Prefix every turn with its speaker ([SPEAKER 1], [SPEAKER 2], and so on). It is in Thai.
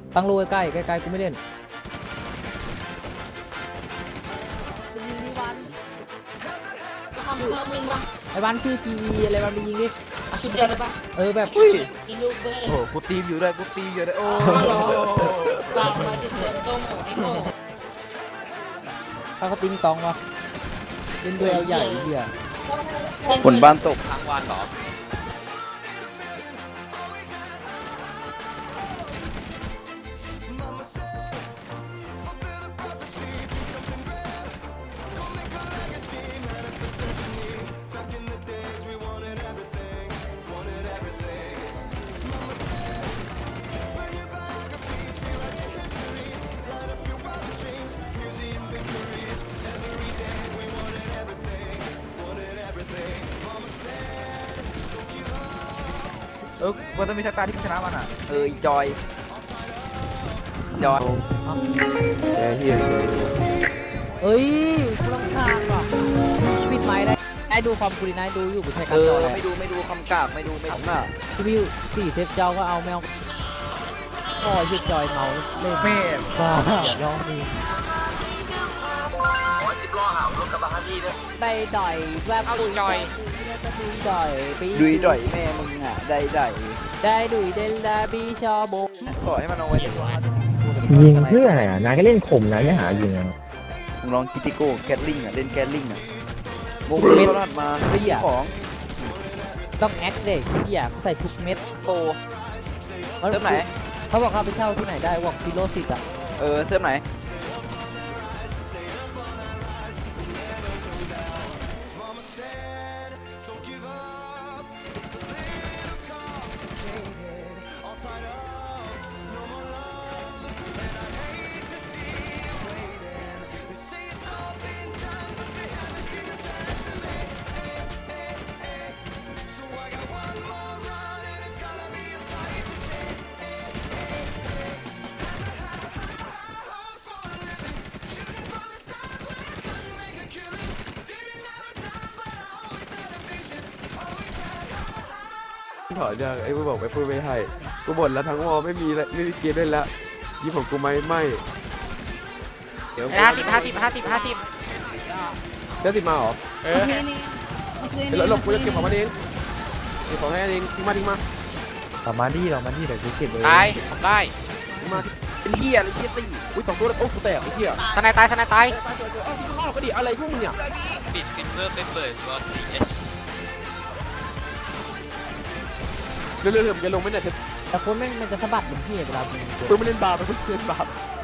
[SPEAKER 1] ตั้งรูใกล้ๆใกล้ๆกูไม่เล่น
[SPEAKER 2] จะยิงนี่วันจะทำเพิ่มมึงวะ
[SPEAKER 1] ไอ้บ้านชื่อทีวีอะไรบ้านไปยิงดิ
[SPEAKER 2] เอาชุดเดียวเลยปะ
[SPEAKER 1] แบบ
[SPEAKER 2] กินลูกเบอร์
[SPEAKER 3] โอ้โหกูตีมอยู่ด้วยกูตีมอยู่ด้วยโอ้
[SPEAKER 2] เรามาจะเจอต้มไอ้โง่
[SPEAKER 1] ถ้าเขาติ้งตองวะเล่นด้วยเอาใหญ่เหี้ย
[SPEAKER 3] ฝนบ้านตกทั้งวันเหรอ มันต้องมีสักตาที่ชนะมันอ่ะจอยเฮีย
[SPEAKER 1] เอ้ยกูรำคาญว่ะชีวิตไหมได้ไอ้ดูความกูดีนะดูอยู่กูใช้การจอเลย
[SPEAKER 3] ไม่ดูคำกราบไม่ดูอ่ะ
[SPEAKER 1] ชีวิต4เซตเจ้าก็เอาแมวโอ้ยเหี้ยจอยเมาเล่น
[SPEAKER 3] แม่
[SPEAKER 1] บ้าร้องดีได้ด่อยแบบดุยด่อยดุยด่อยปี
[SPEAKER 3] ดุยด่อยแม่มึงอ่ะได้
[SPEAKER 1] ได้ดุยเดลดาบีชอโบ
[SPEAKER 3] ขอให้มันเอาไว้
[SPEAKER 4] ยิงเพื่ออะไรอ่ะนายก็เล่นข่มนะไม่หายิงอ่ะ
[SPEAKER 3] มึงลองคิติโก้แคทลิงอ่ะเล่นแคทลิงอ่ะโมเมนต์รอดมาของ
[SPEAKER 1] ต้องแอคเด็กที่อยากใส่ทุกเม็ด
[SPEAKER 3] โปเติมไหน
[SPEAKER 1] เขาบอกเขาไปเช่าที่ไหนได้วอกฟิโลสิตอ่ะ
[SPEAKER 3] เติมไหน
[SPEAKER 5] ถอนยังไอ้กูบอกไปพูดไม่ให้กูบ่นแล้วทั้งวอไม่มีแล้วไม่มีเกมเล่นแล้วยี่ผมกูไม่เดี๋ยว
[SPEAKER 6] 50
[SPEAKER 5] เดี๋ยวติดมาเหรอเดี๋ยวหลบกูจะเก็บของมันเองเก็บของให้เองทิ้งมา
[SPEAKER 4] เรามาดิเดี๋ยวกูเก็บเลย
[SPEAKER 6] ตายผมได้
[SPEAKER 5] ทิ้งมา
[SPEAKER 3] เป็นเฮียหรือเฮียตี
[SPEAKER 5] อุ้ย2 ตัวแล้วโอ้กูแตกไอ้เหี้ย
[SPEAKER 6] ทนายตาย
[SPEAKER 5] อ้าวก็ดิอะไรพวกมึงเนี่ย
[SPEAKER 7] ปิดฟินเวอร์ไปเปิดตัว CS
[SPEAKER 5] เร็วๆจะลงไหมเนี่ย
[SPEAKER 1] แต่คนแม่งมันจะสะบัดเหมือนพี่เวลายิง
[SPEAKER 5] เพิ่งไม่เล่นบาร์ไปเพิ่งเล่นบาร์